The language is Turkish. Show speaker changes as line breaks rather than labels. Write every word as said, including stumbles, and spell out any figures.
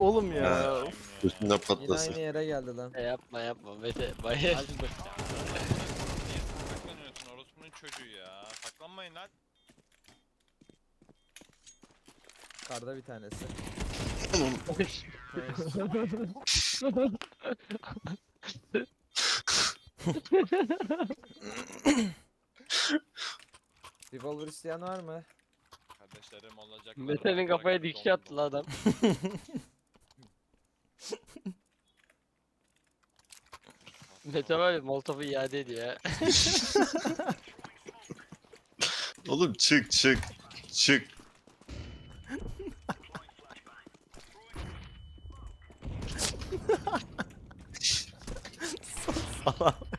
Oğlum ya.
Ha. Üstünde
Yine
patlasın.
aynı yere geldi lan.
E yapma yapma Mete. Bayağı
Niye saklanıyorsun orospunun çocuğu ya? Saklanmayın lan.
Karda bir tanesi. Revolver isteyen var mı?
Kardeşlerim olacak.
Mete'nin kafaya dikiş attı lan adam. Mete var ya Molotov'u iade ediyor ya.
Oğlum çık çık. Çık.
Salak.